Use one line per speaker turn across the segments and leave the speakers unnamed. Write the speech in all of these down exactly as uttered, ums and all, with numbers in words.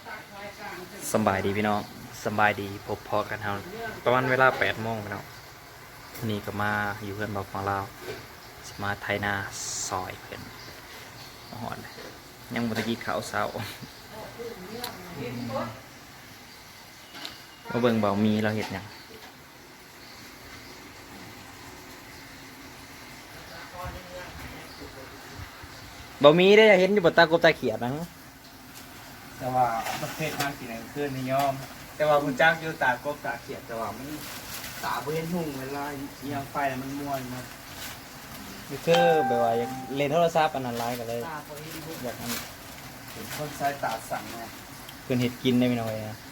สบายดีพี่น้องสบายดีพบพอกันเฮาประมาณเวลาแปดโมงพี่น้องนี่ก็มาอยู่เพื่อนบอกของเราสมาไทยนาซอยเพื่อนมาหอนยังบตะกี้ขาวเศร้ามาเบิ่งเบามีเราเห็ดยังเบามีได้เห็นอยู่บนตากบตาเขียดนะ
แต่ว่าประเภทมากกี่ไหนคือนิยมแต่ว่าคุณจ้างอยู่ตากบตาเขียดแต่ว่ามันตาเว้นหุ่งเวลาเอียงไฟมันม้วนมา
คือแบบว่าเล่นโทรศัพท์อันนั้นไลน์กันเลยอยากอัน
คนใช้ตาสั่งไง
เพื่อนเห็ดกินได้ไม่น้อยนะ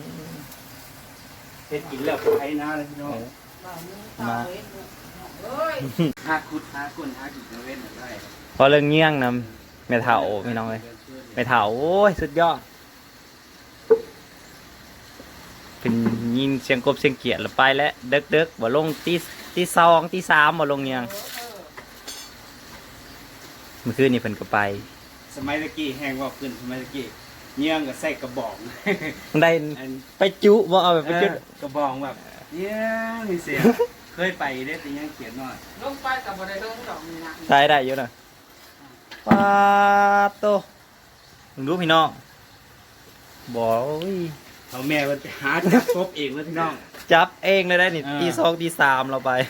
เห็ดกินแล้วไอ้น้าเลยพี่น้อง
มา
หาคุดหากุนหากินเว้นอะไร
พอเรื่องเงี้ยงนะแม่เฒ่าพี่น้องเลยแม่เฒ่าโอ้ยสุดยอดเป็นยินเสียงกบเสียงเกียดแล้วไปแล้วเด็กเด็กบ่ลงตีตีสองตีสามบ่ลงเงี้ยงเมื่อคืนนี่เพิ่นก็ไป
สมัยตะกี้แห้งว่าขึ้นสมัยตะกี้เงี้ยงกับใส่กระบอก
ได้ไปจุบ่เอาแบบไปจุ
กระบอกแบบเงี้ยมีเสียงเคยไปได้แต่ยังเขียนหน่อย
ลงไปกับบ่ได้ลงดอกนี่นะ
ใช่ได้เยอะนะปาโตมึงรู้พี่น้องบ่อย
เอาแม่มันหาจับกบเองเลยพี่น้อง
จับเองเลยได้นี่ตีสองตีสามเราไป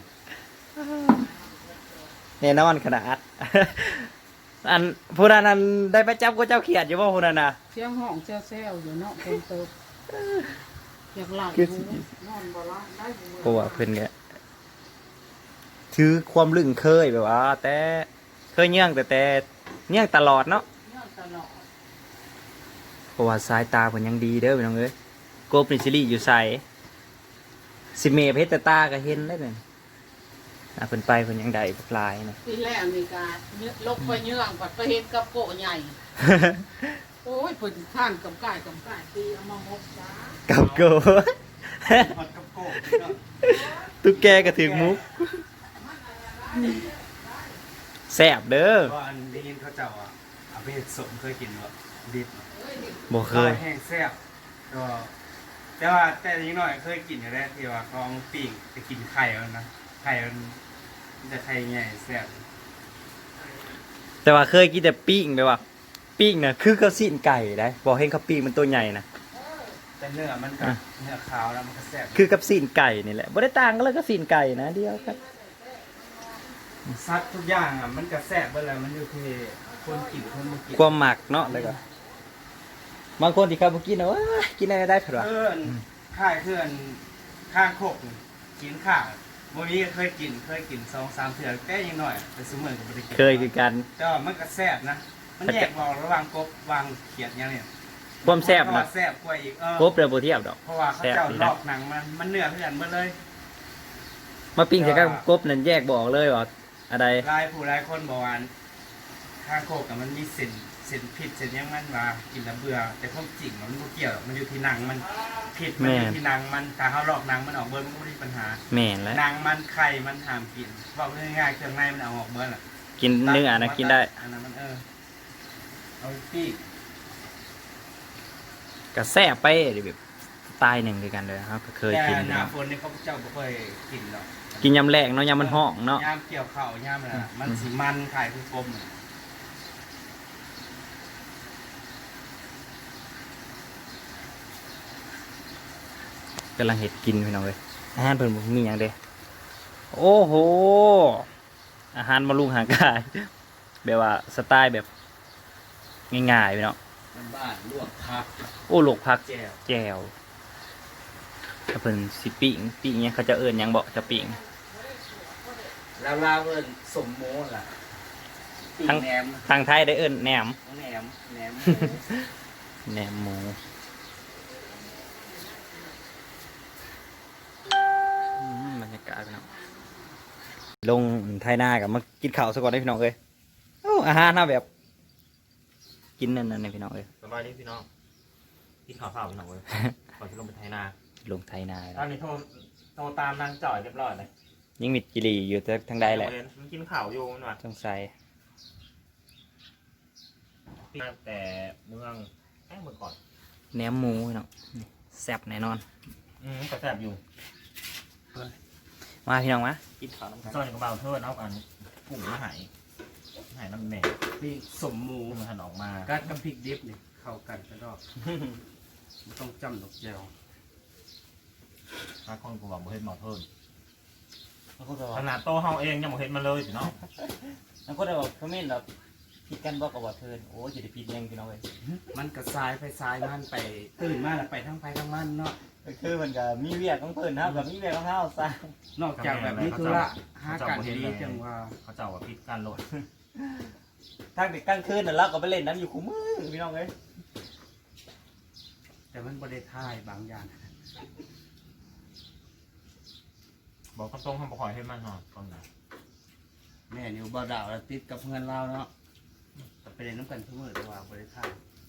เนี่ยน้ำมันขนาดอันผู้นั้นนั้นได้ไปจับก็เจ้าเขียดอยู่ป่ะผู้นั้นน่ะ
เสียงห้องเซลเซลอยู่เนาะคนเติบอยากหลับนอนบ่ละได้บ่
เพราะว่าเพิ่นเนี่ยถือความลึงเคยแบบว่าแต่เคยเงี้ยงแต่แต่เงี้ยงตลอดเนาะเพราะว่าสายตาเพิ่นยังดีเด้อพี่น้องเอ้ยกบนี่สิริอยู่ใส่สิเมเพชรตาก็เห็นได้เลยอ่ะเพิ่นไปเพิ่นยังได้ปลายนะ
ทีแรกนี่กาลกไปเยื่องปัดไปเห็นกับโกใหญ่โอ้ยเพิ่นท่านกับก่ายกับก่ายตีเอามาหกจ้า
กับโก
กับโก
ตุ๊กแกก็ถึงมุกแซ่บเด้อ
ก็อันได้ยินเขาเจ้าอ่ะเอาไปสมเคยกินบ่ดิบ
บ่เคย
แห้งแซ่บก็แต่ว่าแต่ยังน้อยเคยกินอยู่แล้วที่ว่าเขาปิ้งจะกินไข่แล้วนะไข่มันจะไข่ใหญ่แซ่บ
แต่ว่าเคยกินแต่ปิ้งไปว่าปิ้งน่ะคือเขาสิ้นไก่ได้บอกให้เขาปิ้งมันตัวใหญ่นะ
แต่เนื้อมันกับเนื้อขาวแล้วมันก็แซ่บ
คือกับสิ้นไก่นี่แหละบ่ได้ต่างกันเลยก็สิ้นไก่นะเดียวกัน
ซัดทุกอย่างอ่ะมันก็แซ่บเบิดแล้วมันอยู่ที่คนกินคนบ่กิน
ความหมักเนาะแล้วก็บางคนที่เขาบ่กินนะว่ากินอะไรได้เพิ่นว่า
เพื่อนค่ายเพื่อนข้างโคกกินข้าวบ่มีเคยกินเคยกินสองสามเทื่อแก้ยังน้อยแต่ซุมื้อก็บ่ได้กิน
เคยคือกัน
แต่ว่ามันก็แซ่บนะมันแยกออกระหว่างกบวางเขียดอย่างนี้
ความแซ่บนะ
แซ่บกว่าอีกเออก
บเด้อบ่เทียบดอก
เพราะว่าเขาเจ้าลอกหนังมันมันเนื้อเพื่อนหมดเลย
มาปิ้งใส่กับกบนั่นแยกบ่ออกเลยว่าอะไร
หลายผู้หลายคนบอกว่าข้างโคกมันมีเส้นเส้นผิดเส้นยังมันว่ากินแล้วเบื่อแต่ความจริงมันบ่เกี่ยวมันอยู่ที่หนังมันผิดมันอยู่ที่หนังมันถ้าเขาลอกหนังมันออกเบิดมันบ่มีปัญหา
แม่นแล้ว
หนังมันไข่มันห้ามกินบอกง่ายๆเครื่องในมันเอาออกเบิดล่ะ
กินเนื้อนะกินได้
อันนั้นมันเออเอาปี้
ก็แซ่บไปแบบสไตล์หนึ่งด้วยกันเลยครับก็เคยกิน
แต่หน้าฝนนี่เขาเจ้าบ่เคยกินหรอก
กินยำแรกเนาะยำมันห้องเนาะ
ยำเกี่ยวข้าวยำน่ะมันสิมันไข่คือกลม
กำลังเห็ดกินพี่น้องเลยอาหารเพิ่นมีอย่างเด้โอ้โหอาหารมาลุงหางกายแบบว่าสไตล์แบบง่ายๆพี่น้อง
บ้านลวกผัก
โอ้ลวกผักแจ่วถ้าเพิ่นสิปิ้งปิ้งเนี่ยเขาจะเอิ้นหยังบ่จะปิ้ง
ลาวลาวเอิ้นสมโมล่ะปิ้งแหนม
ทางไทยได้เอิ้นแหนม
แหนมแหนม
แหนมหมูบรรยากาศพี่น้องลงไทยนากับมากินข้าวซะก่อนได้พี่น้องเอ้ยโอ้อาหารน่าแบบกินนั่นนั่นพี่น้องเอ้ย
สบายดีพี่น้องกินข้าวเปล่าพี่น้องเอ้ยก่อนจะลงไปไทยนา
ลงไทยนา
ตอนนี้โทรโทรตามนางจ่อยเรียบร้อยเลย
ยิ่งมิดกิรีอยู่ทางใดแหละ
มันกินข้าวอยู่มันว่า
สงสัย
แต่เมืองแค่เมื่อก่อน
แหนมหมูพี่น้องนี่แซ่บแน่นอน
อืมก็แซ่บอยู่
มาพี่น้องมากินข้าวน้ำกัน
ซอยกับเบาเทิดเอากันกุ้งมาใหายหายน้ำแหน่
นี่สมหมู
กุ้งมันหันออกมา
กัดกับพริกดิบนี่เข้ากันกระดอกไม่ต้องจำดอกแจว
ถ้าคนกูบอกบ่เห็นเบาเทิด
แล้วก็จะ
ขนาดโตเฮาเองยังบ่เห็นมันเลยพี่น้อง
แล้วก็จะบอกคอมเมนต์เราผิดกันบอกกับว่าเพิ่นโอ้ยจะได้ผิดยังพี่น้องเลย
มันกระซายไปซายมันไปตื่นมาแล้วไปทั้งไปทั้งมันเนาะ
คือมันก็มีเวียกของเพิ่นนะครับกับมีเวียกของเฮาซะ
นอกจากแบบนี้ธุระหากันดีจังว่า
เขาเจ้าว่าพิษการโหลด
ทางเด็กกลางคืนน่ะเราก็ไปเล่นน้ำอยู่คู่มือพี่น้องเอ้ย
แต่มันบริท่ายบางอย่าง
บอกตรงๆทำบ่คอยให้มันหอดตอนไหน
แม่นิวบ่ดาวแล้วติดกับเพื่อนเราเนาะแต่ไปเล่นน้ำกันทุกมื้อแต่ว่าบริท่าย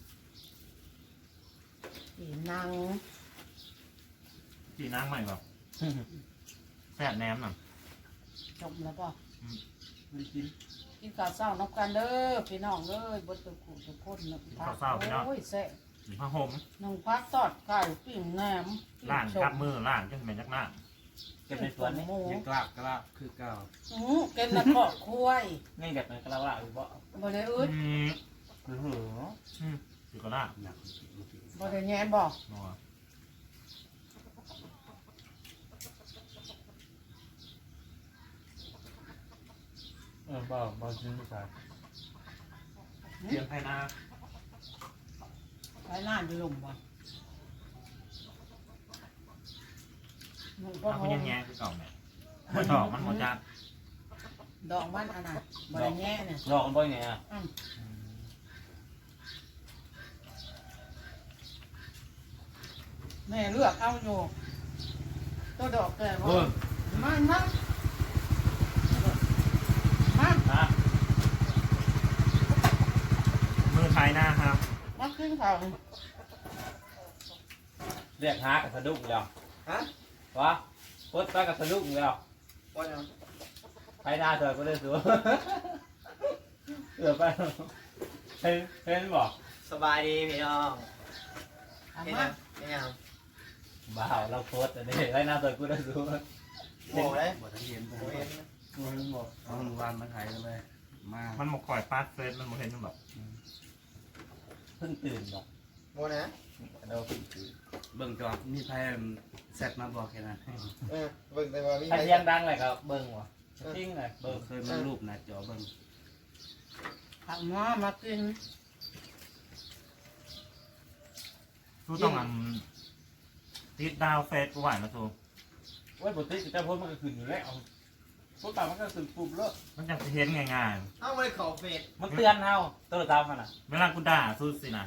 อีนาง
พี่นางใหม่แบบแซ่บแหนมน่ะ
จบแล้วป่ะ
ไม่กิน
กินข้าวเช้าน้ำกันเด้อพี่น้องเด้อบดตะกุทุกคนนะโอ้ยแซ่
หรือผ้าห่ม
น้องพักทอดไก่ปิ้งแหนม
ล่างกับมือล่างจังเป็นยักหน้า
เก็บในสวนนี่
หมู
ยังกลาบกลาบคือเก่า
อือเก็บน้ำปอกคุ้ย
นี่แบบนั้นก็เราว่าอยู่บ่
บ่ได้อึด
อืม
โอ้โห
อืมสิก็ล่า
หนักเมื่อกี้
บ่ได้แง่บอก
นัว
เออบ่บ่ซื้อไม่ใช่
เตรียมไทยนา
ไปหน้าจะลมบ่มันก็
ถ้าคุณยังแง่คือเก่าแม่มันดอกมันหมดจัด
ดอกมันอันน่ะบ่ได้แง่เนี่ย
ลองบ่อยไงอ่ะ
อืมแม่เลือกเอาอยู่ตัวดอกแก่บ่
โอ้ย
มันนะมา
ฮะ
มือไทยหน้าครับ
มาขึ้นเขา
เรียกหากับสะดุ้งแล้ว
ฮะ
วะพดไปกับสะดุ้งแล้ว
ว่ายัง
ไปหน้าเถอะก็ได้สูเสือไปเห็นเห็นบ่
สบายดีพี่น้อง
เอา
นี่
มา
นะนี่ยัง
บ้าวเราโพสต์อันนี้ไปหน้าเถอะก็ได้สู
โบเลย
บ่ทันเห็นบ่
โบ
เห็
เห็
น
นนะ
เอาหมู่บ้านมาถ่ายกันเลยมา
มันหมกคอยปาดเฟสมันบ่เห็นมันแบบ
เพิ่งตื่นบ่
โบนะ
เราเพิ่งตื่น
เบิ่งจอมีไพ่เซตมาบอกแค่นั้น
เออเบิ่งแต่ว่ามี
ถ้าเสียงดังเลยก็เบิ่งว่ะจริงเลย
เบิ่
เบิ่
ง
ง
เคยมารูปหนะจอเบิ่ง
เอามามากิน
ทูต้องอันติดดาวเฟสกูไหวนะทู
โอ้ยปกติจะโพสต์มันก็ขึ้นอยู่แล้วโพสต์ตามมันก็ขึ้นปุ๊บแล้ว
มันจะเห็นง่าย
เอาไปขอเฟซ
มันเตือนเฮาตัวตามมันน่ะ
ๆเวลากูด่าสู้สินะ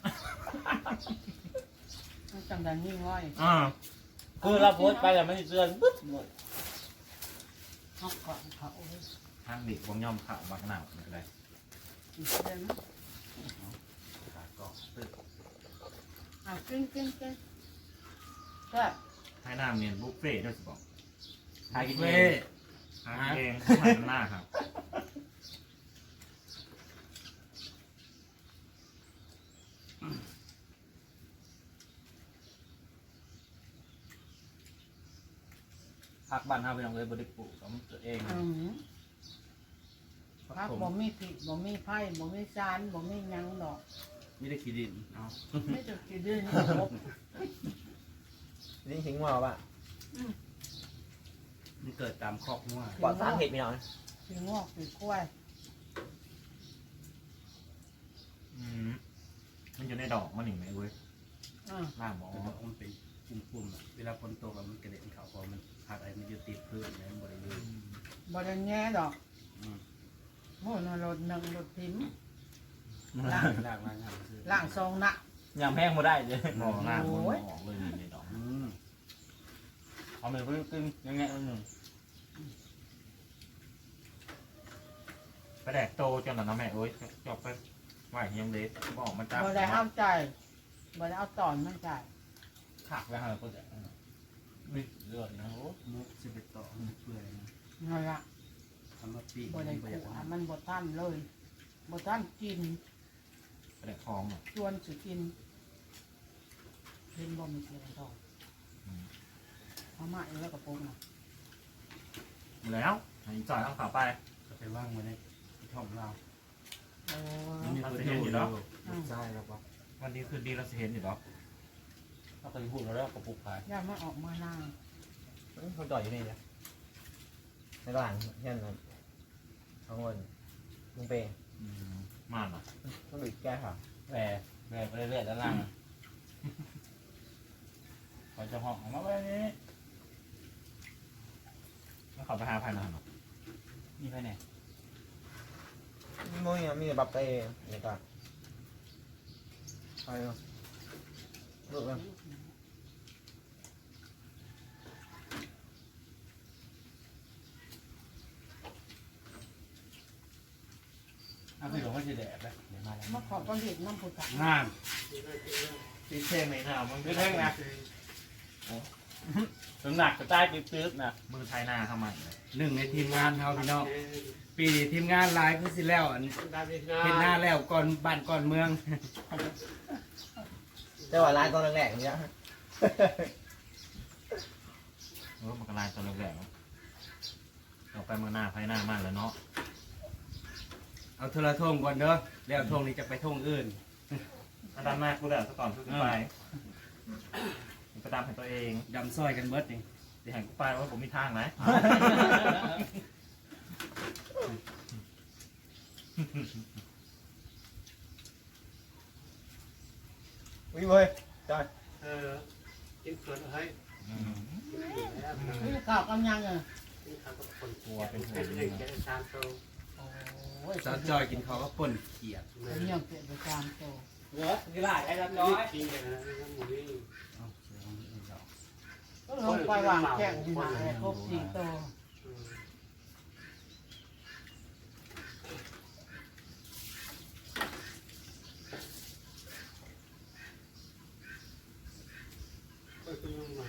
มันจังดังยิ่งง่อย
อ่า
คือเราโพสต์ไปแล้วมันสิเตือนปึ๊บหมด
เขาก่อนเขาโอ้ย
ทางเด็กวงย่อมข่าวบักหนาวอะไร
อีกเดือนนะ
ขาก็ตึก
เอากินกินกินก็
ให้หน้าเมียนบุฟเฟ่ต์ด้วยสิบอก
หากินเอ
เว้
ง
หาเองหาหน้าครับ
ผักบ้านเฮาไปลองเลยบ่ได้ปลูกของตัวเอง
อืมพักบ่มีผิดบ่มีไผ่บ่มีจานบ่มีหยังดอก
ไม่ได้ขี้ดินเอา
ไม่จะกินเดือนนี้ครบ
นี่หิงว่าป่ะ
มันเกิดตามคอกงัว
ปลอดสารเห็ดพี่น้อง
สีงอกสีกล้วย
อืมมันอยู่ในดอกมันหนึ่งไหมเว้ย
อ่า
ล่างบอก
แต่ว่ามันเป็นปุ่มๆอะเวลาฝนตกอะมันกระเด็นเขาเพราะมันผักอะไรมันอยู่ติดพื้นแล้วมันบริเวณ
บ่ได้แง่ดอก
อืม
โอ้นรถหนึ่งรถพิมพ์
ล่างล่างล่างล่างคือ
ล่างทรงนะ
ยำแห้งบ่ได้เลย
มองล่างบนออกเลยในดอก
อืม
เอาไปเพิ่งกินยังไงอันหนึง
ไปแดกโตจนหลังน้ำแม่เอ้ยจบไปไหวยังเล็กบอกมันจ้า
บ่ได้เอาใจบ่ได้เอาตอนมันใจ
ผักแล้วฮะก็จะมีเลือดนะโอ้
มุกสิบเอ็ดต่อมันเปื่อยนะ
นั่นละ
ทำมาปีก
บ่
มัน
ได้
บ่อยาก
ขู่
ทำ
มันบ่ทันเลยบ่ทันกิน
ไปแดกคลองอ่ะ
ชวนสิกินเล่นบอลมีเสียงทองเอามาแล้วกระโปรงนะ
แล้วให้จ่อยเอาขาไป
ก็ไปว่างไว้ในช่องเรา
โอ้
มันมีคนเห็นอยู่แล้ว
ใช่แล้วปะ
วันนี้คืนดีเราจะเห็นอยู่หรอ
เราเคยพูดแล้วกระปุกขาย
ย่ามาออกมาหน้า
เขาจ่อยอยู่นี่นะในบ้านเช่นนั้นเอาเงินลุงเปย์
มากอ่ะ
ต้องดูแก้ค่ะ
แหวแหวไปเรื่อยๆด้านล่างพอจะห้องออกมาไว้นี้
แล้วเขาไปหาภายในหรอ
มีไปไหน
มึงมีแต่บับเปย์นี่ก็ไปเนาะดูกัน
อ่ะพี่หลวงว่าจะแดดไปเดี๋ยวมาแล้ว
มาขอประเด็นน้ำผุดสั
งาน
ตีเท่งไหมหน้ามึง
ไม่แท่งนะน้ำหนักก็ใต้ปิ๊บๆนะ
มือไทยหน้าเข้ามา
หนึ่งในทีมงานเขาพี่น้องปีนี้ทีมงานหลายคือสิแล้วอันเห็นหน้าแล้วก่อนบ้านก่อนเมือง
แต่ว่าร้านตอนแรกๆอย่างเงี้ย
เออมันกระไรตัวแหลกๆเราไปเมื่อหน้าไฟหน้ามากเลยเนาะ
เอาโทรทงก่อนเด้อแล้วทงนี้จะไปทงอื่น
อาดามหน้ากูเดี๋ยวซะก่อนเพื่อไปไปตามให้ตัวเอง
ดำซอยกันเบิดนี่
เดี๋ยวหันกูไปว่าผมมีทางไหน
วิ่งเลยจ่อย
เออกินเผือกให้
นี่ข่าวกำยังอ่ะ
กินข้าวกับคน
กลัวเป็นห่ว
เป็น
ง
หนึ่งแค่สามโต
โอ้ย
สาวจอยกินเขาวก็ป่นเขียด
แม่
เลี้ยงเปลี่ยนไปตามโต
เยอะกีฬาไอ้รับ
น้
น้
อ
อย ย
กินกันนะน้ำหมูนี่
ก็ลงไปวางแข่งที่หาแอร์ครบสี่โต
อืม ก็คือน้ำมัน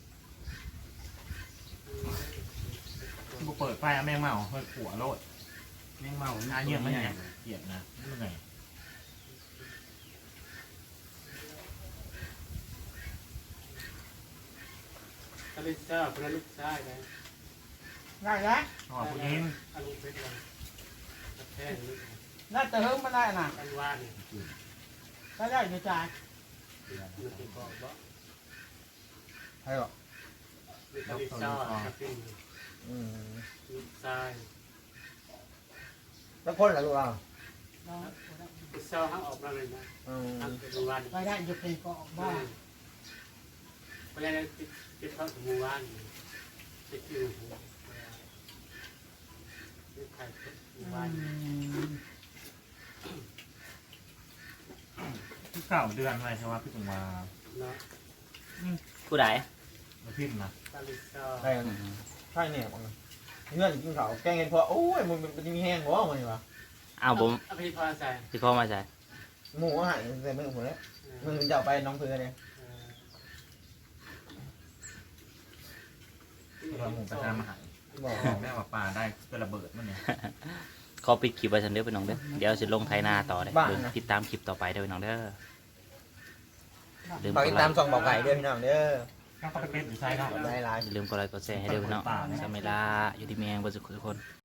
กูเปิดไฟแมงเมาเฮ้ยขัวโลด
แมงเมา
อาเยี่ยมไม่ไงเกลียดนะไม่ไง
ถ้าเป็นเจ้าพระลูกชายนะ
ได้แล้ว
อ๋อผู้หญิง
อารมณ์เป็นอะไรแท้หรือ
น่าจะเฮิ่มมาได้น่ะ
กันว่านี่
ก็ได้อยู่จ่าย
มันเป็นบอกว่า
ให้หรอ
ถ้าเป็นเจ้าถ้าเป็น
อืม
ลูกชาย
แล้วคนเหรอลูกเรา
เป็นเจ้าห้างออกมาเลยนะ
อืม
ทำเป็นวัน
ไปได้อยู่เป็นเกาะบ้าน
เพราะฉะนั้นติดเข้าถึงหมู่บ้านติดอยู่หัวติดใครหมู่บ้าน
ที่เก่าเดือนอะไรใช่ไหมพี่ถึงมา
เนาะ
ผู้ใด
มาพิมพ์นะ
ตาลิซา
ได้กันใช่เนี่ยมึงเงื่อนกินเขาแกงเงินพอโอ้ยมึงมันจะมีแห้งหัวมันอยู่วะ
อ้าวผม
อภิพรใส่
พี่พ่อมาใช่
หมูอาหารใส่มือผมเลยมึงจะเอาไปน้องเพื่อนเลย
เราหมูกระทะมาหาย
บอก
บอกแม่ว่าปลาได้เป็นระเบิดมันเนี่ย
ขอปิดคลิปไว้ฉันเด้อพี่น้องเด้อเดี๋ยวสิลงไทยนาต่อเด้อเบิ่งติดตามคลิปต่อไปเด้อพี่น้องเด้อลืม
ฝาก
ก
ติ
ด
ด
ไล
ตาม
ค์
ส่องบอกไก่ด้วยพี่น้องเด้อ
ก็เข้าไปเป็นอยู่ใช่ครับ
ได้ไลน์
อย่าลืมกดไลค์กดแชร์ให้เด้อพี่น้องสมัยลาอยู่ที่เมียงบนสุขทุกคน